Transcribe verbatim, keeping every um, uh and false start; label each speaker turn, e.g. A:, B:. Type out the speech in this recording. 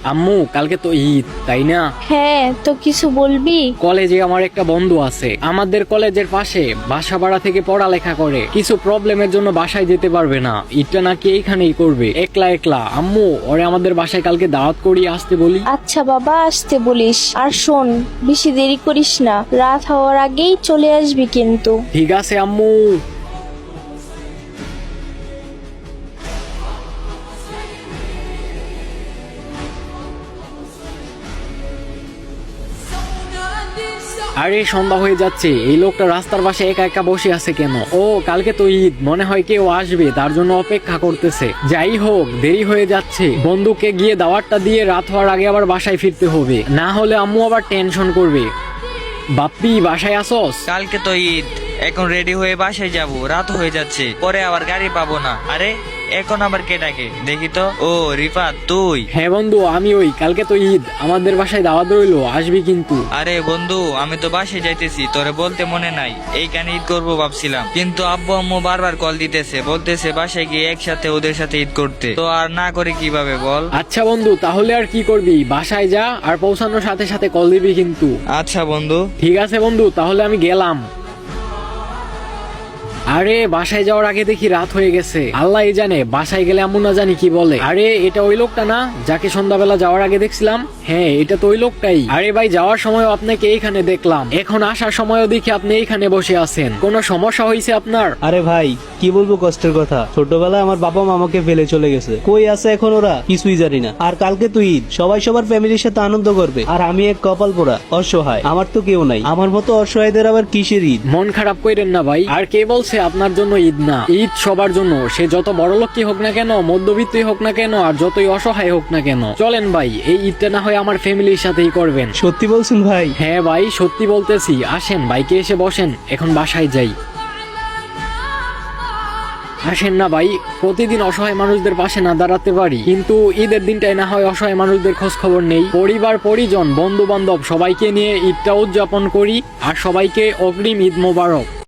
A: আম্মু কালকে তো ঈদ তাই না?
B: হ্যাঁ, তো কিছু বলবি?
A: কলেজে আমার একটা বন্ধু আছে, আমাদের কলেজের পাশে বাসা ভাড়া থেকে পড়ালেখা করে। কিছু প্রবলেমের জন্য বাসায় যেতে পারবে না, ঈদটা নাকি এইখানেই করবে একলা একলা। আম্মু ওরে আমাদের বাসায় কালকে দাওয়াত করিয়ে আসতে বলি।
B: আচ্ছা বাবা, আসতে বলিস। আর শোন, বেশি দেরি করিস না, রাত হওয়ার আগেই চলে আসবি কিন্তু।
A: ঠিক আছে আম্মু। আরে সন্ধ্যা হয়ে যাচ্ছে, এই লোকটা রাস্তার পাশে একা একা বসে আছে কেন? ও কালকে তো ঈদ, মনে হয় কেউ আসবে তার জন্য অপেক্ষা করতেছে। যাই হোক, দেরি হয়ে যাচ্ছে, বন্ধুকে গিয়ে দাওয়াতটা দিয়ে রাত হওয়ার আগে আবার বাসায় ফিরতে হবে, না হলে আম্মু আবার টেনশন করবে। বাপ্পি বাসায় আসোস?
C: কালকে তো ঈদ, এখন রেডি হয়ে বাসায় যাব, রাত হয়ে যাচ্ছে, পরে আবার গাড়ি পাবো না। আরে এখন আবার কে ডাকে দেখি তো। ও রিফাত তুই?
A: হ্যাঁ বন্ধু আমি ওই, কালকে তো ঈদ, আমাদের বাসায় দাওয়াত রইলো, আসবি কিন্তু।
C: আরে বন্ধু, আমি তো বাসায় যাইতেছি, তোরে বলতে মনে নাই এইখানে ঈদ করবো ভাবছিলাম, কিন্তু আব্বু আম্মু বারবার কল দিতেছে, বলতেছে বাসায় গিয়ে একসাথে ওদের সাথে ঈদ করতে, তো আর না করে কিভাবে বল।
A: আচ্ছা বন্ধু, তাহলে আর কি করবি, বাসায় যা, আর পৌঁছানোর সাথে সাথে কল দিবি কিন্তু।
C: আচ্ছা বন্ধু।
A: ঠিক আছে বন্ধু, তাহলে আমি গেলাম। আরে বাসায় যাওয়ার আগে দেখি রাত হয়ে গেছে, আল্লাহ জানে বাসায় গেলে আম্মু না জানি কি বলে। আরে এটা ওই লোকটা না যাকে সন্ধ্যাবেলা যাওয়ার আগে দেখছিলাম? হ্যাঁ এটা তো ওই লোকটাই। আরে ভাই, যাওয়ার সময় আপনাকে এইখানে দেখলাম, এখন আসার সময়ও দেখি আপনি এইখানে বসে আছেন, কোনো সমস্যা হয়েছে আপনার?
D: আরে ভাই, কি বলবো কষ্টের কথা, ছোটবেলায় আমার বাবা মা আমাকে ফেলে চলে গেছে, কই আছে এখন ওরা কিছুই জানি না। আর কালকে তো ঈদ, সবাই সবার ফ্যামিলির সাথে আনন্দ করবে, আর আমি এক কপাল পোড়া অসহায়, আমার তো কেউ নাই। আমার মতো অসহায়দের আবার কিসের ঈদ?
A: মন খারাপ করেন না ভাই, আর কে বলছে আপনার জন্য ঈদ না? ঈদ সবার জন্য, সে যত বড় লোকই হোক না কেন, মধ্যবিত্তই হোক না কেন, আর যতই অসহায় হোক না কেন। চলেন ভাই, এই ঈদটা না হয় আমার ফ্যামিলির সাথেই করবেন।
D: সত্যি বলছেন ভাই?
A: হ্যাঁ ভাই সত্যি বলতেছি, আসেন বাইকে এসে বসেন, এখন বাসায় যাই। আসেন না ভাই, প্রতিদিন অসহায় মানুষদের পাশে না দাঁড়াতে পারি, কিন্তু ঈদের দিনটাই না হয় অসহায় মানুষদের খোঁজ খবর নেই। পরিবার পরিজন বন্ধু বান্ধব সবাইকে নিয়ে ঈদটা উদযাপন করি, আর সবাইকে অগ্রিম ঈদ মোবারক।